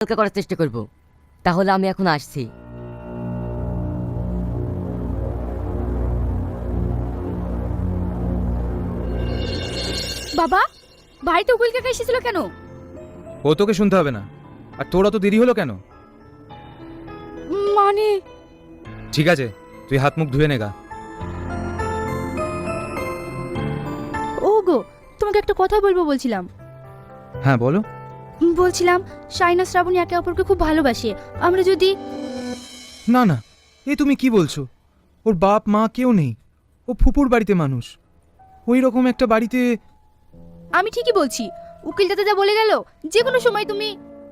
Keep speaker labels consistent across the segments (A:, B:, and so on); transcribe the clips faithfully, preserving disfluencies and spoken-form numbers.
A: হালকা করার চেষ্টা করব। তাহলে আমি এখন আসছি।
B: বাবা, বাড়িতে উকিল কাকা এসেছিল কেন?
C: ও তোকে শুনতে হবে না। আর তোর অত দেরি হলো কেন?
B: মানে
C: ঠিক আছে, তুই হাত মুখ ধুয়ে নেগা।
B: ও গো, তোমাকে একটা কথা বলবো বলছিলাম।
C: হ্যাঁ বলো।
B: বলছিলাম শাইনা শ্রাবণী একে অপরকে খুব ভালোবাসে। আমরা যদি
C: না না, এ তুমি কি বলছো? ওর বাপ মা কেউ নেই, ও ফুপুর বাড়িতে মানুষ। ওই রকম একটা বাড়িতে।
B: আমি ঠিকই বলছি, উকিল দাদা যা বলে গেল, যে কোনো সময় তুমি।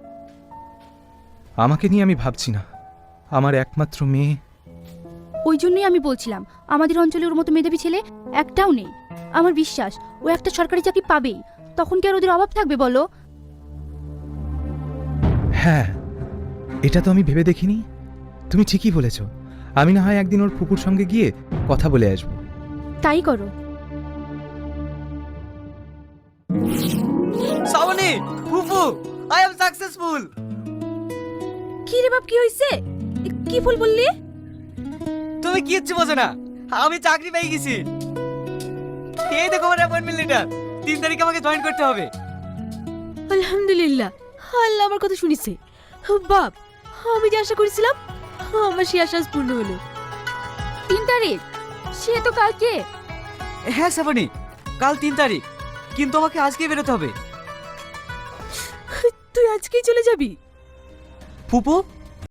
C: আমাকে নিয়ে আমি ভাবছি না, আমার একমাত্র মেয়ে।
B: ওই জন্যই আমি বলছিলাম, আমাদের অঞ্চলে ওর মতো মেধাবী ছেলে একটাও নেই। আমার বিশ্বাস ও একটা সরকারি চাকরি পাবেই। তখন কি আর ওদের অভাব থাকবে বলো?
C: হ্যাঁ, এটা তো আমি ভেবে দেখিনি। তুমি ঠিকই বলেছ। আমি না হয় একদিন ওর ফুপুর সঙ্গে গিয়ে কথা বলে আসবো।
B: তাই করো।
D: শ্রাবণী, ফুফু, আই এম সাকসেসফুল।
B: কি রে বাপ, কি হইছে? কি ফুল বললি?
D: তুমি কিচ্ছু বোঝো না, আমি চাকরি পেয়ে গেছি। এই দেখো আমার অ্যাপয়েন্টমেন্ট লেটার। তিন তারিখে আমাকে জয়েন করতে হবে।
E: আলহামদুলিল্লাহ, আল্লাহ আমার কথা শুনিছে। বাপ, আমি যে আশা করেছিলাম, আমার সেই আশা আজ পূর্ণ হলো।
B: তিন তারিখ? সে তো কালকে।
D: হ্যাঁ শ্রাবণী, কাল তিন তারিখ, কিন্তু আমাকে আজকেই বেরোতে হবে।
E: তুই আজকেই চলে যাবি?
D: ফুপু,